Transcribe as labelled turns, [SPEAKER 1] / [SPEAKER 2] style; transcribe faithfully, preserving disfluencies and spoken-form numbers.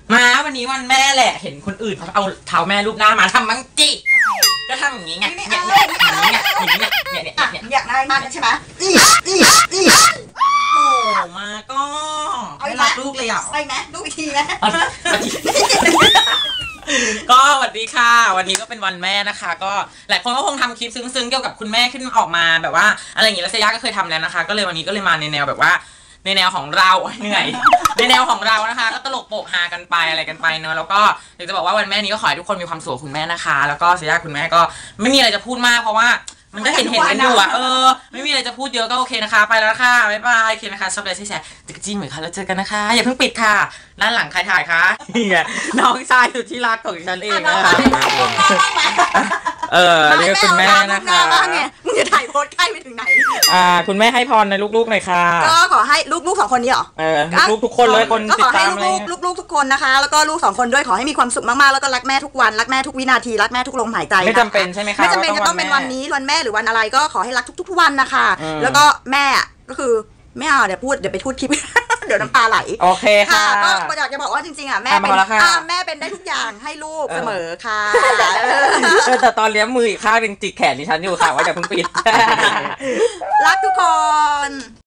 [SPEAKER 1] มาวันนี้วันแม่แหละเห็นคนอื่นเขาเอาเท้าแม่รูปหน้ามาทำมังจิก็ทำอย่างนี้ไงเนี่ยเนี่ยอย่างนี้ไงอย่างนี้ไงเนี่ยเนี่ยเนี่ย
[SPEAKER 2] อยากได้มากใช่ไหม
[SPEAKER 1] โอ้มาก็ไม่รักลูกเลยอ่ะ
[SPEAKER 2] ไปไหมลูกอีกทีไหม
[SPEAKER 1] ก็สวัสดีค่ะวันนี้ก็เป็นวันแม่นะคะก็หลายคนก็คงทำคลิปซึ้งๆเกี่ยวกับคุณแม่ขึ้นออกมาแบบว่าอะไรอย่างนี้แล้วเซย่าก็เคยทำแล้วนะคะก็เลยวันนี้ก็เลยมาในแนวแบบว่าในแนวของเราเหนื่อยในแนวของเรานะคะก็ตลกโปกฮากันไปอะไรกันไปเนอะแล้วก็อยากจะบอกว่าวันแม่นี้ก็ขอให้ทุกคนมีความสุขคุณแม่นะคะแล้วก็เซย่าคุณแม่ก็ไม่มีอะไรจะพูดมากเพราะว่ามันก็เห็นเห็นกันอยู่อ่ะเออไม่มีอะไรจะพูดเยอะก็โอเคนะคะไปแล้วค่ะบ๊ายบายโอเคนะคะชอบอะไรที่แชร์ติ๊กจี้เหมือนค่ะแล้วเจอกันนะคะอย่าเพิ่งปิดค่ะด้านหลังใครถ่ายคะนี่ไงน้องชายสุดที่รักของฉันเองนะคะเออเรียกคุณแม่นะคะ
[SPEAKER 2] มึงจะถ่ายโพสใกล้ไปถึงไหน
[SPEAKER 1] อ่าคุณแม่ให้พรในลูกๆหน่อยค่ะ
[SPEAKER 2] ก็ขอให้ลูกๆสองคนนี้เหรอ
[SPEAKER 1] เออลูกทุกคนเลยคนติดตามเลย
[SPEAKER 2] ลูกๆทุกคนนะคะแล้วก็ลูกสองคนด้วยขอให้มีความสุขมากๆแล้วก็รักแม่ทุกวันรักแม่ทุกวินาทีรักแม่ทุกลมหายใจ
[SPEAKER 1] ไม่จำเป็นใช่ไหมคะ
[SPEAKER 2] ไม่จำเป็นจะต้องเป็นวันนี้วันแม่หรือวันอะไรก็ขอให้รักทุกๆวันนะคะแล้วก็แม่ก็คือไม่เอาเดี๋ยวพูดเดี๋ยวไปพูดคลิปเดี๋ยวน้ำตาไหล
[SPEAKER 1] โอเคค่ะ
[SPEAKER 2] ก็อยากจะบอกว่าจริงๆอ่ะแม่เป็นแม่เป็นได้ทุกอย่างให้ลูกเสมอค่ะ
[SPEAKER 1] แต่ตอนเลี้ยงมืออีกข้างนึงจิกแขนดิฉันอยู่ค่ะว่าอย่าเพิ่งปิด
[SPEAKER 2] รักทุกคน